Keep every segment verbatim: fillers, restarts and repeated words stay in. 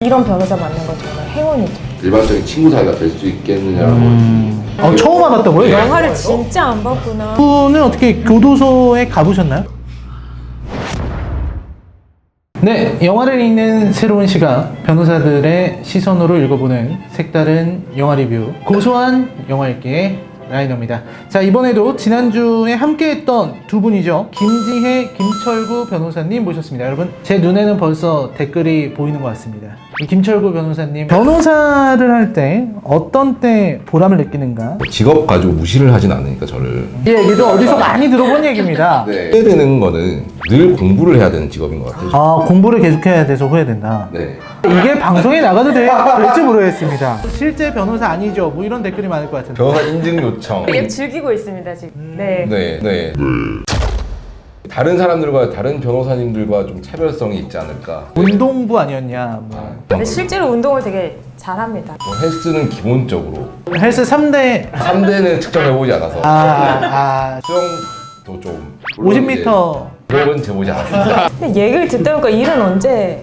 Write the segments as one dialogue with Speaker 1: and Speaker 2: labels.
Speaker 1: 이런 변호사 만난 건 정말 행운이죠.
Speaker 2: 일반적인 친구 사이가 될 수 있겠느냐라고.
Speaker 3: 음... 어, 처음 알았다고요?
Speaker 1: 영화를 진짜 안 봤구나.
Speaker 3: 분은 어떻게 교도소에 가보셨나요? 네, 영화를 읽는 새로운 시각, 변호사들의 시선으로 읽어보는 색다른 영화 리뷰, 고소한 영화 읽기의 라이너입니다. 자, 이번에도 지난주에 함께했던 두 분이죠. 김지혜, 김철구 변호사님 모셨습니다. 여러분, 제 눈에는 벌써 댓글이 보이는 것 같습니다. 이 김철구 변호사님, 변호사를 할 때 어떤 때 보람을 느끼는가?
Speaker 2: 직업 가지고 무시를 하진 않으니까 저를.
Speaker 3: 이 얘기도 어디서 많이 들어본 얘기입니다.
Speaker 2: 네. 후회되는 거는 늘 공부를 해야 되는 직업인 것 같아요.
Speaker 3: 아, 공부를 계속해야 돼서 후회된다.
Speaker 2: 네.
Speaker 3: 이게 방송에 나가도 돼, 될지 모르겠습니다. 실제 변호사 아니죠? 뭐 이런 댓글이 많을 것 같은데.
Speaker 2: 변호사 인증 요청.
Speaker 1: 되게 즐기고 있습니다 지금. 네.
Speaker 2: 네, 네. 다른 사람들과 다른 변호사님들과 좀 차별성이 있지 않을까.
Speaker 3: 운동부 아니었냐? 뭐.
Speaker 1: 근데 실제로 운동을 되게 잘합니다.
Speaker 2: 뭐 헬스는 기본적으로
Speaker 3: 헬스 삼 대.
Speaker 2: 삼 대는 측정해보지 않아서
Speaker 3: 아, 아.
Speaker 2: 수영도 좀
Speaker 3: 오십 미터.
Speaker 2: 그런 재보지 않았습니다.
Speaker 1: 근데 얘기를 듣다 보니까 일은 언제?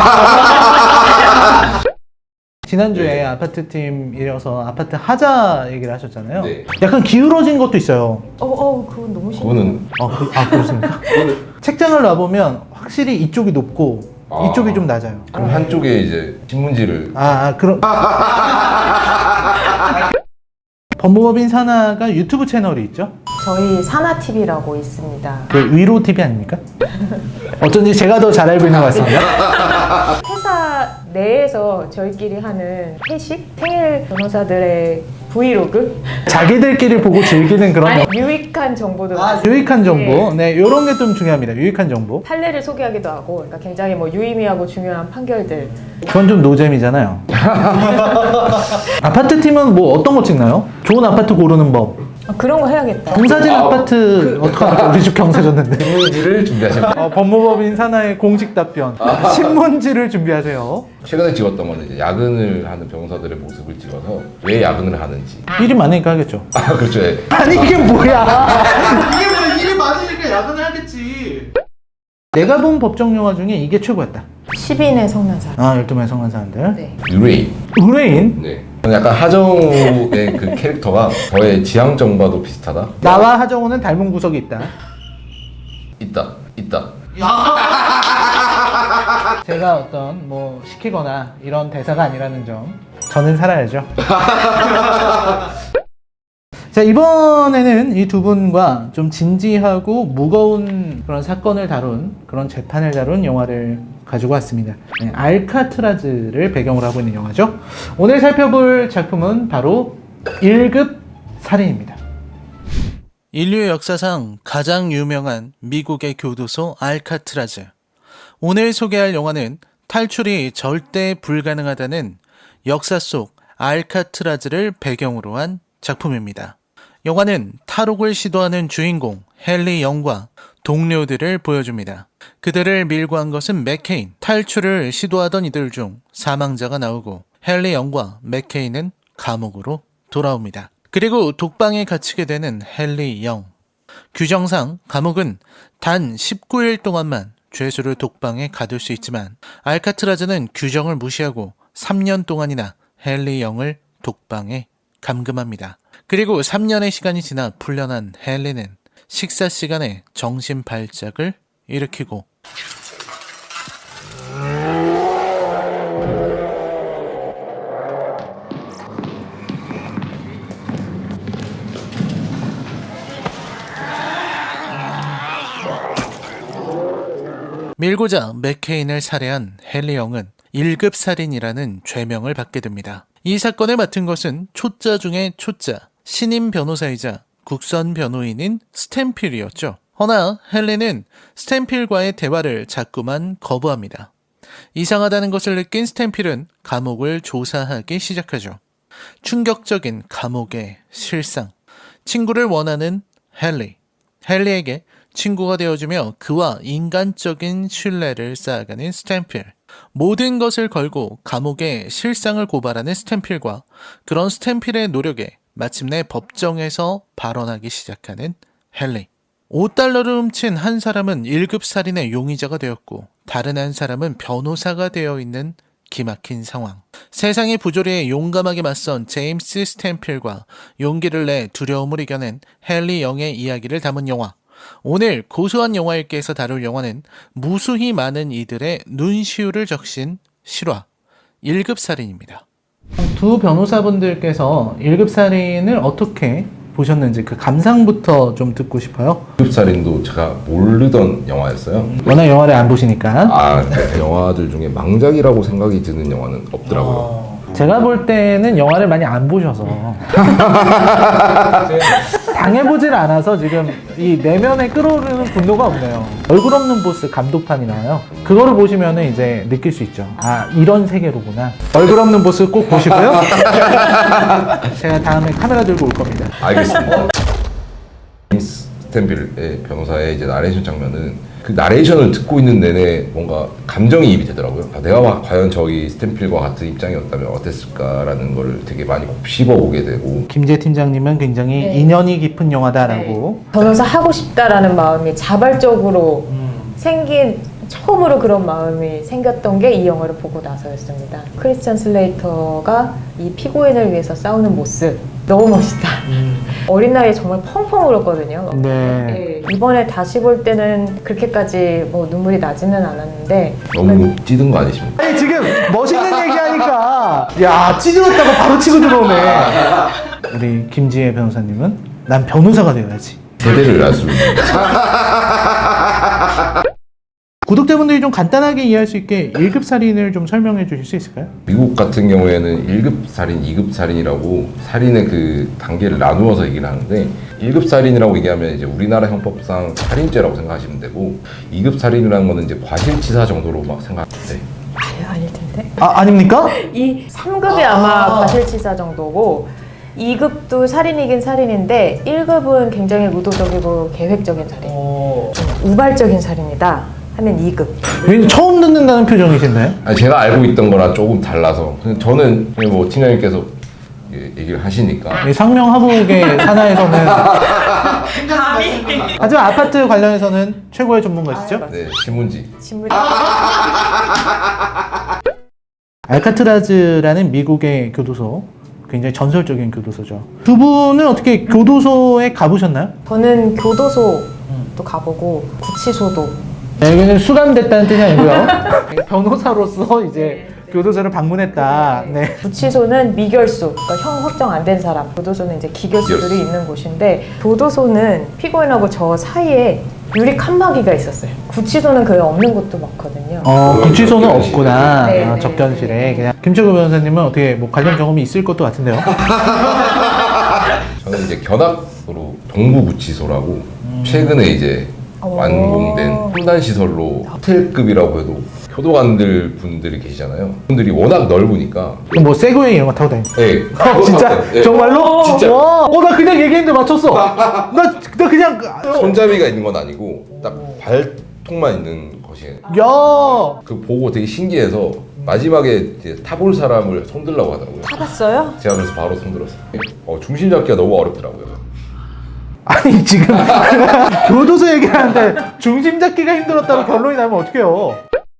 Speaker 3: 지난주에
Speaker 2: 네.
Speaker 3: 아파트 팀이어서 아파트 하자 얘기를 하셨잖아요.
Speaker 2: 네.
Speaker 3: 약간 기울어진 것도 있어요.
Speaker 1: 어, 어, 그건 너무 심해.
Speaker 2: 그거는
Speaker 3: 아, 그, 아 그렇습니까? 책장을 놔보면 확실히 이쪽이 높고
Speaker 2: 아.
Speaker 3: 이쪽이 좀 낮아요.
Speaker 2: 그럼 한쪽에 이제 신문지를
Speaker 3: 아, 아 그럼. 법무법인 산하가 유튜브 채널이 있죠?
Speaker 1: 저희 사나티비라고 있습니다.
Speaker 3: 그 위로 티비 아닙니까? 어쩐지 제가 더 잘 알고 있는 것 같습니다.
Speaker 1: 회사 내에서 저희끼리 하는 회식? 생일 변호사들의 브이로그?
Speaker 3: 자기들끼리 보고 즐기는 그런
Speaker 1: 아니,
Speaker 3: 영-
Speaker 1: 유익한 정보도
Speaker 3: 아,
Speaker 1: 많습니다.
Speaker 3: 유익한 정보.
Speaker 1: 예.
Speaker 3: 네, 이런 게 좀 중요합니다. 유익한 정보.
Speaker 1: 판례를 소개하기도 하고, 그러니까 굉장히 뭐 유의미하고 중요한 판결들.
Speaker 3: 그건 좀 노잼이잖아요. 아파트 팀은 뭐 어떤 거 찍나요? 좋은 아파트 고르는 법.
Speaker 1: 아, 그런 거 해야겠다.
Speaker 3: 경사진
Speaker 2: 아,
Speaker 3: 아파트 어떡합니까? 우리 집 경사졌는데.
Speaker 2: 신문지를 준비하시면 돼요.
Speaker 3: 어, 법무법인 산하의 공식 답변. 신문지를 준비하세요.
Speaker 2: 최근에 찍었던 거는 이제 야근을 하는 변호사들의 모습을 찍어서 왜 야근을 하는지.
Speaker 3: 일이 많으니까 하겠죠.
Speaker 2: 아 그렇죠. 예.
Speaker 3: 아니 이게 뭐야? 이게 뭐 일이 많으니까 야근을 하겠지. 내가 본 법정 영화 중에 이게 최고였다.
Speaker 1: 십인의 성난사.
Speaker 3: 아, 열두 명의 성관사람들.
Speaker 1: 네.
Speaker 2: 유레인.
Speaker 3: 의뢰인.
Speaker 2: 네. 저는 약간 하정우의 그 캐릭터가 저의 지향정과도 비슷하다.
Speaker 3: 나와 하정우는 닮은 구석이 있다.
Speaker 2: 있다. 있다.
Speaker 3: 제가 어떤 뭐 시키거나 이런 대사가 아니라는 점. 저는 살아야죠. 자, 이번에는 이 두 분과 좀 진지하고 무거운 그런 사건을 다룬, 그런 재판을 다룬 영화를 가지고 왔습니다. 네, 알카트라즈를 배경으로 하고 있는 영화죠. 오늘 살펴볼 작품은 바로 일 급 살인입니다. 인류 역사상 가장 유명한 미국의 교도소 알카트라즈. 오늘 소개할 영화는 탈출이 절대 불가능하다는 역사 속 알카트라즈를 배경으로 한 작품입니다. 영화는 탈옥을 시도하는 주인공 헨리 영과 동료들을 보여줍니다. 그들을 밀고 한 것은 맥케인. 탈출을 시도하던 이들 중 사망자가 나오고 헨리 영과 맥케인은 감옥으로 돌아옵니다. 그리고 독방에 갇히게 되는 헨리 영. 규정상 감옥은 단 십구 일 동안만 죄수를 독방에 가둘 수 있지만 알카트라즈는 규정을 무시하고 삼 년 동안이나 헨리 영을 독방에 감금합니다. 그리고 삼 년의 시간이 지나 풀려난 헨리는 식사 시간에 정신 발작을 일으키고 밀고자 맥케인을 살해한 헨리 영은 일 급 살인이라는 죄명을 받게 됩니다. 이 사건을 맡은 것은 초짜 중에 초짜, 신임 변호사이자 국선 변호인인 스탠필이었죠. 허나 헨리는 스탠필과의 대화를 자꾸만 거부합니다. 이상하다는 것을 느낀 스탠필은 감옥을 조사하기 시작하죠. 충격적인 감옥의 실상. 친구를 원하는 헨리. 헨리에게 친구가 되어주며 그와 인간적인 신뢰를 쌓아가는 스탠필. 모든 것을 걸고 감옥의 실상을 고발하는 스탠필과 그런 스탠필의 노력에 마침내 법정에서 발언하기 시작하는 헨리. 오 달러를 훔친 한 사람은 일 급 살인의 용의자가 되었고 다른 한 사람은 변호사가 되어 있는 기막힌 상황. 세상의 부조리에 용감하게 맞선 제임스 스탠필과 용기를 내 두려움을 이겨낸 헨리 영의 이야기를 담은 영화. 오늘 고소한 영화일기에서 다룰 영화는 무수히 많은 이들의 눈시울을 적신 실화 일 급 살인입니다. 두 변호사분들께서 일 급 살인을 어떻게 보셨는지 그 감상부터 좀 듣고 싶어요.
Speaker 2: 일 급 살인도 제가 모르던 영화였어요.
Speaker 3: 워낙 영화를 안 보시니까.
Speaker 2: 아, 그 영화들 중에 망작이라고 생각이 드는 영화는 없더라고요.
Speaker 3: 제가 볼 때는 영화를 많이 안 보셔서 당해보질 않아서 지금 이 내면에 끓어오르는 분노가 없네요. 얼굴 없는 보스 감독판이 나와요. 그거를 보시면 이제 느낄 수 있죠. 아, 이런 세계로구나. 얼굴 없는 보스 꼭 보시고요. 제가 다음에 카메라 들고 올 겁니다.
Speaker 2: 알겠습니다. 제임스 스탠빌의 변호사의 이제 나레이션 장면은 그 나레이션을 듣고 있는 내내 뭔가 감정이입이 되더라고요. 아, 내가 과연 저기 스탠필과 같은 입장이었다면 어땠을까라는 걸 되게 많이 곱씹어 보게 되고.
Speaker 3: 김재 팀장님은 굉장히
Speaker 1: 네.
Speaker 3: 인연이 깊은 영화다라고.
Speaker 1: 네. 변호사 하고 싶다라는 마음이 자발적으로
Speaker 3: 음.
Speaker 1: 생긴 처음으로 그런 마음이 생겼던 게 이 영화를 보고 나서였습니다. 크리스찬 슬레이터가 이 피고인을 위해서 싸우는 모습 너무 멋있다.
Speaker 3: 음.
Speaker 1: 어린 나이에 정말 펑펑 울었거든요.
Speaker 3: 네.
Speaker 1: 네. 이번에 다시 볼 때는 그렇게까지 뭐 눈물이 나지는 않았는데
Speaker 2: 너무 찌든 거 아니십니까?
Speaker 3: 아니 지금 멋있는 얘기하니까 야 찢어졌다고 바로 치고 들어오네. 우리 김지혜 변호사님은 난 변호사가 되어야지.
Speaker 2: 세대를 알 수 있는.
Speaker 3: 구독자분들이 좀 간단하게 이해할 수 있게 일 급 살인을 좀 설명해 주실 수 있을까요?
Speaker 2: 미국 같은 경우에는 일 급 살인, 이 급 살인이라고 살인의 그 단계를 나누어서 얘기를 하는데 일 급 살인이라고 얘기하면 이제 우리나라 형법상 살인죄라고 생각하시면 되고 이 급 살인이라는 거는 이제 과실치사 정도로 막 생각하는데
Speaker 1: 아유 아닐 텐데
Speaker 3: 아 아닙니까?
Speaker 1: 이 삼 급이 아마 과실치사 정도고 이 급도 살인이긴 살인인데 일 급은 굉장히 의도적이고 계획적인 살인 좀 우발적인 살인이다 하면 이 급.
Speaker 3: 왠지 처음 듣는다는 표정이신데?
Speaker 2: 아니, 제가 알고 있던 거랑 조금 달라서 그냥 저는 그냥 뭐 팀장님께서 예, 얘기를 하시니까
Speaker 3: 이 상명하복의 산하에서는 하지만 아파트 관련해서는 최고의 전문가시죠?
Speaker 2: 네, 신문지.
Speaker 1: 신문
Speaker 3: 알카트라즈라는 미국의 교도소, 굉장히 전설적인 교도소죠. 두 분은 어떻게 교도소에 가보셨나요?
Speaker 1: 저는 교도소도 가보고 구치소도
Speaker 3: 네, 여기는 수감됐다는 뜻이 아니고요. 변호사로서 이제 교도소를 방문했다. 네.
Speaker 1: 구치소는 미결수, 그러니까 형 확정 안 된 사람. 교도소는 이제 기결수들이
Speaker 2: 기결수.
Speaker 1: 있는 곳인데 교도소는 피고인하고 저 사이에 유리 칸막이가 있었어요. 구치소는 그게 없는 곳도 많거든요.
Speaker 3: 어, 구치소는 없구나.
Speaker 1: 네,
Speaker 3: 아,
Speaker 1: 네.
Speaker 3: 접견실에. 그냥 김철구 변호사님은 어떻게 뭐 관련 경험이 있을 것도 같은데요.
Speaker 2: 저는 이제 견학으로 동부구치소라고 최근에 이제 완공된 첨단 시설로 호텔급이라고 해도 교도관들 분들이 계시잖아요. 분들이 워낙 넓으니까
Speaker 3: 그럼 뭐 세그웨이 이런 거 타고 다니.
Speaker 2: 네,
Speaker 3: 어, 진짜?
Speaker 2: 네.
Speaker 3: 정말로?
Speaker 2: 진짜.
Speaker 3: 와, 어, 나 그냥 얘기했는데 맞췄어. 나, 나 그냥.
Speaker 2: 손잡이가 있는 건 아니고 딱 발통만 있는 것이에요.
Speaker 3: 야.
Speaker 2: 그 보고 되게 신기해서 마지막에 이제 타볼 사람을 손들라고 하더라고요.
Speaker 1: 타봤어요?
Speaker 2: 제가 그래서 바로 손들었어요. 어, 중심 잡기가 너무 어렵더라고요.
Speaker 3: 아니, 지금 교도소 얘기를 하는데 중심 잡기가 힘들었다고 결론이 나면 어떡해요?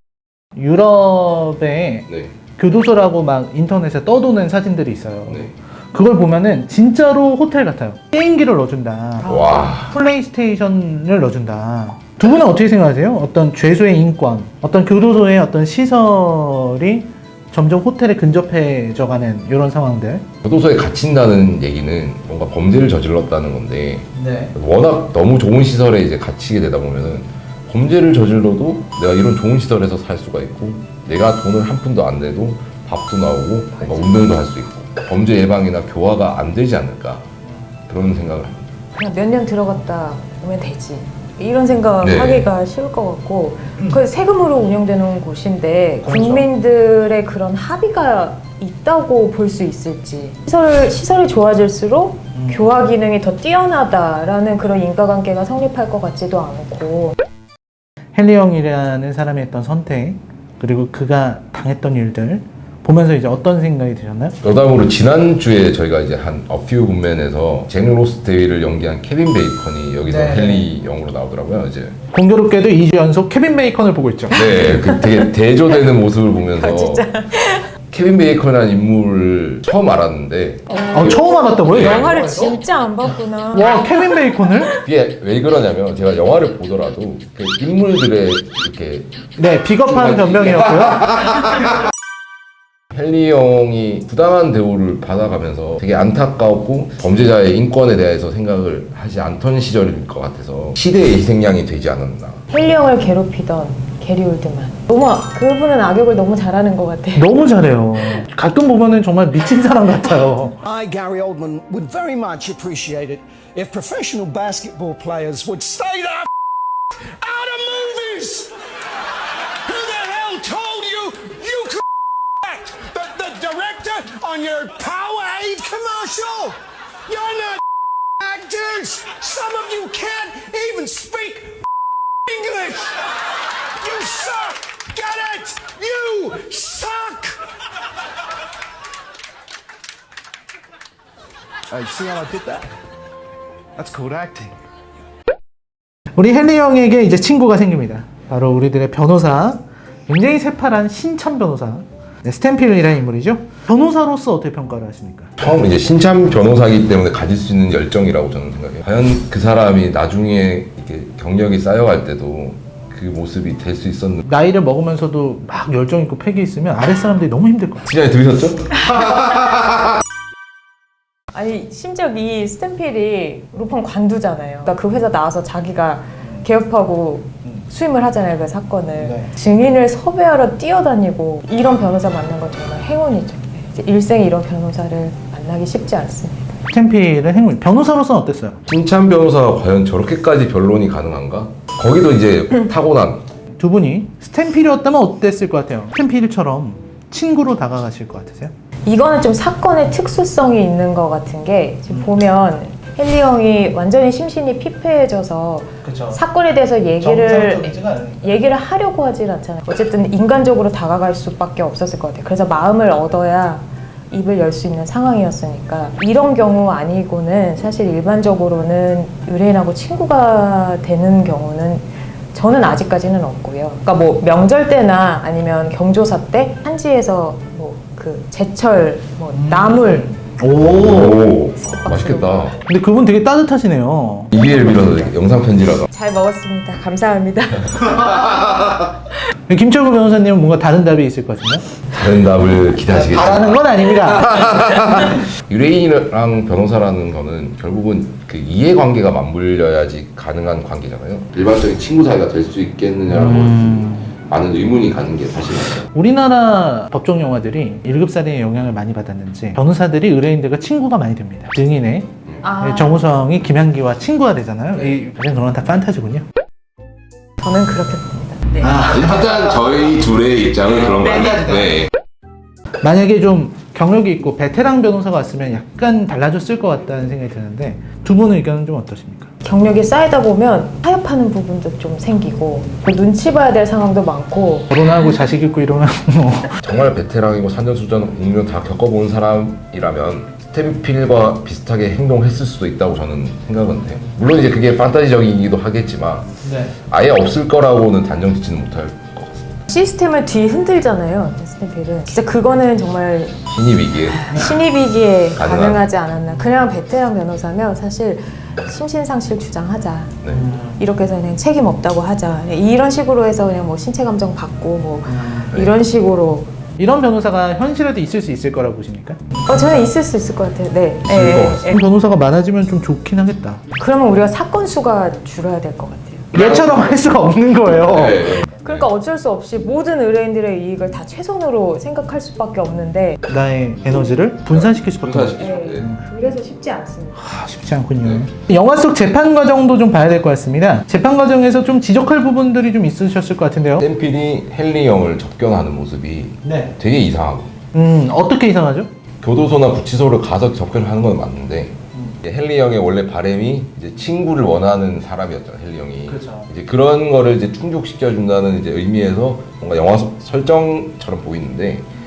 Speaker 3: 유럽에
Speaker 2: 네.
Speaker 3: 교도소라고 막 인터넷에 떠도는 사진들이 있어요.
Speaker 2: 네.
Speaker 3: 그걸 보면은 진짜로 호텔 같아요. 게임기를 넣어준다.
Speaker 2: 와.
Speaker 3: 플레이스테이션을 넣어준다. 두 분은 어떻게 생각하세요? 어떤 죄수의 인권, 어떤 교도소의 어떤 시설이 점점 호텔에 근접해져가는 이런 상황들.
Speaker 2: 교도소에 갇힌다는 얘기는 뭔가 범죄를 저질렀다는 건데
Speaker 3: 네.
Speaker 2: 워낙 너무 좋은 시설에 이제 갇히게 되다 보면은 범죄를 저질러도 내가 이런 좋은 시설에서 살 수가 있고 내가 돈을 한 푼도 안 내도 밥도 나오고 뭔가 운동도 할 수 있고 범죄 예방이나 교화가 안 되지 않을까 그런 생각을 합니다.
Speaker 1: 그냥 몇 년 들어갔다 오면 되지. 이런 생각
Speaker 2: 네.
Speaker 1: 하기가 쉬울 것 같고 그 세금으로 운영되는 곳인데
Speaker 3: 그렇죠.
Speaker 1: 국민들의 그런 합의가 있다고 볼 수 있을지 시설, 시설이 좋아질수록
Speaker 3: 음.
Speaker 1: 교화 기능이 더 뛰어나다라는 그런 인과관계가 성립할 것 같지도 않고
Speaker 3: 헨리 영이라는 사람이 했던 선택, 그리고 그가 당했던 일들 보면서 이제 어떤 생각이 드셨나요?
Speaker 2: 여담으로 지난주에 저희가 이제 한 어퓨 굿맨에서 잭 로스데이를 연기한 케빈 베이컨이 여기서
Speaker 3: 네.
Speaker 2: 헨리 영으로 나오더라고요. 이제
Speaker 3: 공교롭게도 이 주 연속 케빈 베이컨을 보고 있죠.
Speaker 2: 네, 그 되게 대조되는 모습을 보면서
Speaker 1: 아, 진짜.
Speaker 2: 케빈 베이컨이라는 인물을 처음 알았는데
Speaker 3: 어, 처음 알았다고요?
Speaker 1: 영화를 진짜 안 봤구나.
Speaker 3: 와, 케빈 베이컨을?
Speaker 2: 그게 왜 그러냐면 제가 영화를 보더라도 그 인물들의 이렇게
Speaker 3: 네, 비겁한 변명이었고요.
Speaker 2: 헨리 형이 부당한 대우를 받아가면서 되게 안타까웠고 범죄자의 인권에 대해서 생각을 하지 않던 시절일 것 같아서 시대의 희생양이 되지 않았나.
Speaker 1: 헨리 형을 괴롭히던 게리 올드만. 너무 그분은 악역을 너무 잘하는 것 같아.
Speaker 3: 너무 잘해요. 가끔 보면은 정말 미친 사람 같아요.
Speaker 4: I, Gary Oldman, would very much appreciate it if professional basketball players would stay the f- out of movies. Who the hell told you you could act? The, the director on your Powerade commercial? You're not actors. Some of you can't even speak English. You suck. Get it? You suck.
Speaker 5: Hey, see how I did that? That's called acting.
Speaker 3: 우리 헨리 형에게 이제 친구가 생깁니다. 바로 우리들의 변호사, 굉장히 새파란 신참 변호사, 네, 스탠필이라는 인물이죠. 변호사로서 어떻게 평가를 하십니까?
Speaker 2: 처음 이제 신참 변호사이기 때문에 가질 수 있는 열정이라고 저는 생각해요. 과연 그 사람이 나중에 이렇게 경력이 쌓여갈 때도 그 모습이 될 수 있었는지.
Speaker 3: 나이를 먹으면서도 막 열정 있고 패기 있으면 아랫 사람들이 너무 힘들 것 같아요.
Speaker 2: 시간에 들으셨죠?
Speaker 1: 아니 심지어 이 스탠필이 루펑 관두잖아요. 그러니까 그 회사 나와서 자기가 개업하고 수임을 하잖아요. 그 사건을.
Speaker 3: 네.
Speaker 1: 증인을 섭외하러 뛰어다니고 이런 변호사 만난 건 정말 행운이죠. 이제 일생에 이런 변호사를 만나기 쉽지 않습니다.
Speaker 3: 스탠필은 행운. 변호사로서는 어땠어요?
Speaker 2: 신참 변호사가 과연 저렇게까지 변론이 가능한가? 거기도 이제 타고난
Speaker 3: 두 분이 스탠필이었다면 어땠을 것 같아요? 스탠필처럼 친구로 다가가실 것 같으세요?
Speaker 1: 이거는 좀 사건의 특수성이 있는 것 같은 게 지금 보면 헨리 형이 완전히 심신이 피폐해져서
Speaker 3: 그렇죠.
Speaker 1: 사건에 대해서 얘기를 얘기를 하려고 하진 않잖아요. 어쨌든 인간적으로 다가갈 수밖에 없었을 것 같아요. 그래서 마음을 얻어야 입을 열 수 있는 상황이었으니까 이런 경우 아니고는 사실 일반적으로는 의뢰인하고 친구가 되는 경우는 저는 아직까지는 없고요. 그러니까 뭐 명절 때나 아니면 경조사 때 한지에서 뭐 그 제철, 뭐 나물
Speaker 3: 오.
Speaker 2: 오 맛있겠다.
Speaker 3: 근데 그분 되게 따뜻하시네요.
Speaker 2: 이비엘 빌어서 영상 편지라가
Speaker 1: 잘 먹었습니다. 감사합니다.
Speaker 3: 김철구 변호사님은 뭔가 다른 답이 있을 것 같은데요?
Speaker 2: 다른 답을 기대하시겠지만
Speaker 3: 바라는 건 아닙니다.
Speaker 2: 의뢰인이랑 변호사라는 거는 결국은 그 이해관계가 맞물려야지 가능한 관계잖아요. 일반적인 친구 사이가 될 수 있겠느냐라고
Speaker 3: 음.
Speaker 2: 많은 의문이 가는 게 사실이에요.
Speaker 3: 우리나라 법정 영화들이 일 급 살인의 영향을 많이 받았는지 변호사들이 의뢰인들과 친구가 많이 됩니다. 증인의
Speaker 1: 아,
Speaker 3: 정우성이 김향기와 친구가 되잖아요. 이 사실 그런 건 다 판타지군요.
Speaker 1: 저는 그렇게 봅니다. 네.
Speaker 2: 일단 저희 둘의 입장은 그런 거 아니에요. 네.
Speaker 3: 만약에 좀 경력이 있고 베테랑 변호사가 왔으면 약간 달라졌을 것 같다는 생각이 드는데 두 분의 의견은 좀 어떠십니까?
Speaker 1: 경력이 쌓이다 보면 타협하는 부분도 좀 생기고 그 눈치 봐야 될 상황도 많고
Speaker 3: 결혼하고 자식 있고 이러면 뭐
Speaker 2: 정말 베테랑이고 산전수전 공명 다 겪어본 사람이라면 스탠필과 비슷하게 행동했을 수도 있다고 저는 생각은 해요. 물론 이제 그게 판타지적이기도 하겠지만
Speaker 3: 네.
Speaker 2: 아예 없을 거라고는 단정 짓지는 못할 것 같습니다.
Speaker 1: 시스템을 뒤 흔들잖아요. 스탠필은 진짜 그거는 정말
Speaker 2: 신입이기에
Speaker 1: 신입이기에
Speaker 2: 가능한-
Speaker 1: 가능하지 않았나. 그냥 베테랑 변호사면 사실 심신상실 주장하자.
Speaker 2: 네.
Speaker 1: 이렇게 해서 그냥 책임 없다고 하자. 이런 식으로 해서 그냥 뭐 신체 감정 받고 뭐
Speaker 2: 네.
Speaker 1: 이런 식으로.
Speaker 3: 이런 변호사가 현실에도 있을 수 있을 거라고 보십니까?
Speaker 1: 어, 저는 있을 수 있을 것 같아요. 네.
Speaker 2: 있을
Speaker 1: 예,
Speaker 2: 것
Speaker 1: 예,
Speaker 2: 같습니다.
Speaker 1: 예.
Speaker 3: 그런 변호사가 많아지면 좀 좋긴 하겠다.
Speaker 1: 그러면 우리가 사건 수가 줄어야 될 것 같아요.
Speaker 3: 얘처럼 할 수가 없는 거예요.
Speaker 2: 네.
Speaker 1: 그러니까 어쩔 수 없이 모든 의뢰인들의 이익을 다 최선으로 생각할 수밖에 없는데
Speaker 3: 나의 에너지를 분산시킬 수밖에 없어요.
Speaker 2: 분산시키죠.
Speaker 1: 예,
Speaker 2: 네.
Speaker 1: 그래서 쉽지 않습니다.
Speaker 3: 아, 쉽지 않군요. 영화 속 재판 과정도 좀 봐야 될 것 같습니다. 재판 과정에서 좀 지적할 부분들이 좀 있으셨을 것 같은데요.
Speaker 2: 스탠필이 헨리 형을 접견하는 모습이
Speaker 3: 네.
Speaker 2: 되게 이상하고
Speaker 3: 음, 어떻게 이상하죠?
Speaker 2: 교도소나 구치소를 가서 접견을 하는 건 맞는데 이제 헨리 형의 원래 바람이 이제 친구를 원하는 사람이었잖아요. 헨리 형이
Speaker 3: 그렇죠.
Speaker 2: 이제 그런 거를 이제 충족시켜 준다는 이제 의미에서 뭔가 영화 소- 설정처럼 보이는데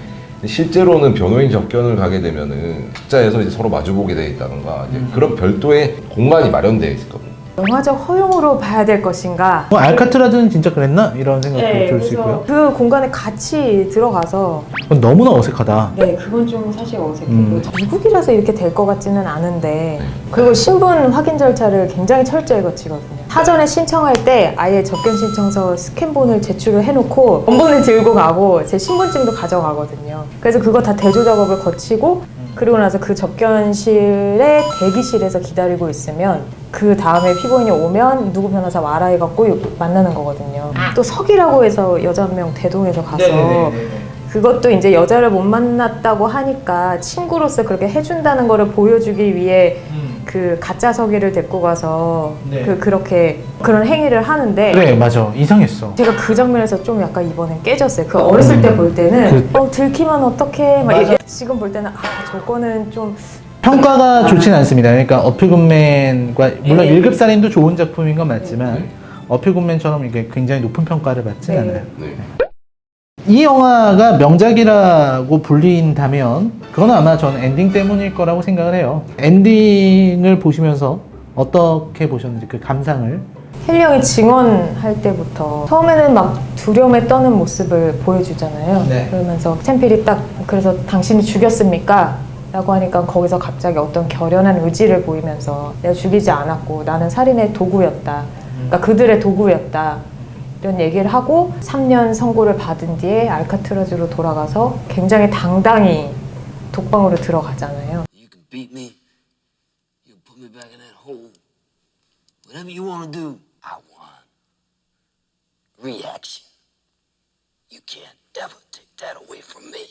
Speaker 2: 실제로는 변호인 접견을 가게 되면은 각자에서 이제 서로 마주보게 돼 있다던가 이제 그런 별도의 공간이 마련되어 있거든요.
Speaker 1: 영화적 허용으로 봐야 될 것인가?
Speaker 3: 뭐 알카트라즈는 진짜 그랬나? 이런 생각도 들 수 있고요.
Speaker 1: 그 공간에 같이 들어가서
Speaker 3: 그건 너무나 어색하다.
Speaker 1: 네, 그건 좀 사실 어색해요.
Speaker 3: 음.
Speaker 1: 미국이라서 이렇게 될 것 같지는 않은데 그리고 신분 확인 절차를 굉장히 철저히 거치거든요. 사전에 신청할 때 아예 접견 신청서 스캔본을 제출을 해놓고 원본을 들고 가고 제 신분증도 가져가거든요. 그래서 그거 다 대조 작업을 거치고 그리고 나서 그 접견실의 대기실에서 기다리고 있으면 그 다음에 피고인이 오면 누구 변호사 와라 해갖고 만나는 거거든요. 또 석이라고 해서 여자 한 명 대동해서 가서 그것도 이제 여자를 못 만났다고 하니까 친구로서 그렇게 해준다는 거를 보여주기 위해 그 가짜 서기를 데리고 가서
Speaker 3: 네.
Speaker 1: 그 그렇게 그런 행위를 하는데
Speaker 3: 그래, 맞아. 이상했어.
Speaker 1: 제가 그 장면에서 좀 약간 이번엔 깨졌어요. 그 어렸을 때 볼 때는
Speaker 3: 그-
Speaker 1: 어 들키면 어떡해 막 이게 지금 볼 때는 아 저거는 좀
Speaker 3: 평가가 좋진 않습니다. 그러니까 어필굿맨과 물론
Speaker 1: 네.
Speaker 3: 일 급 살인도 좋은 작품인 건 맞지만 어필굿맨처럼 이게 굉장히 높은 평가를 받진
Speaker 1: 네.
Speaker 3: 않아요.
Speaker 2: 네.
Speaker 3: 이 영화가 명작이라고 불린다면 그건 아마 저는 엔딩 때문일 거라고 생각을 해요. 엔딩을 보시면서 어떻게 보셨는지 그 감상을.
Speaker 1: 헨리 형이 증언할 때부터 처음에는 막 두려움에 떠는 모습을 보여주잖아요.
Speaker 3: 네.
Speaker 1: 그러면서 스탠필이 딱 그래서 당신이 죽였습니까? 라고 하니까 거기서 갑자기 어떤 결연한 의지를 보이면서 내가 죽이지 않았고 나는 살인의 도구였다. 그러니까 그들의 도구였다. 이런 얘기를 하고 삼 년 선고를 받은 뒤에 알카트라즈로 돌아가서 굉장히 당당히 독방으로 들어가잖아요.
Speaker 6: You can beat me. You can put me back in that hole. Whatever you want to do, I want. Reaction. You can't ever take that away from me.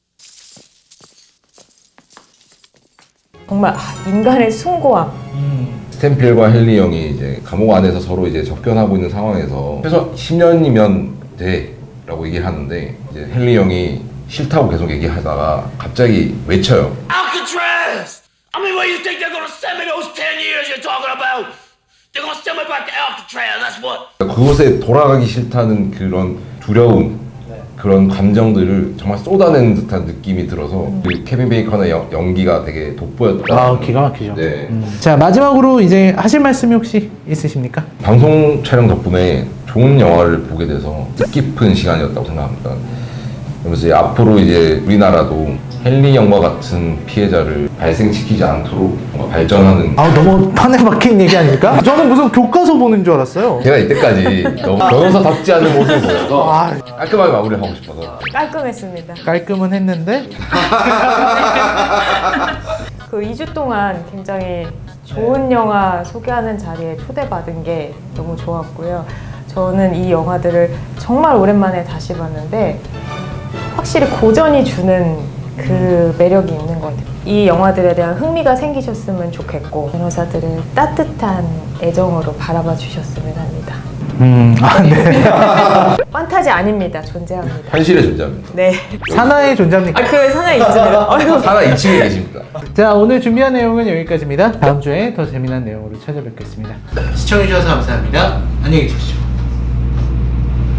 Speaker 1: 정말 아, 인간의 숭고함.
Speaker 2: 스탠필과 헨리 형이 이제 감옥 안에서 서로 이제 접견하고 있는 상황에서 최소 십 년이면 돼라고 얘기를 하는데 이제 헨리 형이 싫다고 계속 얘기하다가 갑자기 외쳐요.
Speaker 6: Alcatraz! I mean, where you think they're gonna send me those ten years you're talking about? They're gonna send me back to Alcatraz, that's what.
Speaker 2: 그곳에 돌아가기 싫다는 그런 두려움, 그런 감정들을 정말 쏟아내는 듯한 느낌이 들어서 그 케빈 베이컨의 연- 연기가 되게 돋보였다.
Speaker 3: 아, 기가 막히죠.
Speaker 2: 네.
Speaker 3: 음. 자, 마지막으로 이제 하실 말씀이 혹시 있으십니까?
Speaker 2: 방송 촬영 덕분에 좋은 영화를 보게 돼서 뜻깊은 시간이었다고 생각합니다. 그러면서 이제 앞으로 이제 우리나라도 헨리 형과 같은 피해자를 발생시키지 않도록 뭔가 발전하는.
Speaker 3: 아, 너무 판에 박힌 얘기 아닙니까? 저는 무슨 교과서 보는 줄 알았어요.
Speaker 2: 제가 이때까지 너무 변호사답지 않은 모습을 보여서
Speaker 3: 아,
Speaker 2: 깔끔하게 마무리를 하고 싶어서.
Speaker 1: 깔끔했습니다.
Speaker 3: 깔끔은 했는데
Speaker 1: 그 이 주 동안 굉장히 좋은 영화 소개하는 자리에 초대받은 게 너무 좋았고요. 저는 이 영화들을 정말 오랜만에 다시 봤는데 확실히 고전이 주는 그 매력이 있는 것 같아요. 이 영화들에 대한 흥미가 생기셨으면 좋겠고 변호사들을 따뜻한 애정으로 바라봐 주셨으면 합니다.
Speaker 3: 음, 아, 네.
Speaker 1: 판타지 아닙니다. 존재합니다.
Speaker 2: 현실에 존재합니다.
Speaker 1: 네.
Speaker 3: 사나의 존재입니까?
Speaker 1: 아, 그 하나 있습니다. 어이구.
Speaker 2: 하나 이 층에 계십니다.
Speaker 3: 자, 오늘 준비한 내용은 여기까지입니다. 다음 주에 더 재미난 내용으로 찾아뵙겠습니다. 시청해주셔서 감사합니다. 안녕히 계십시오.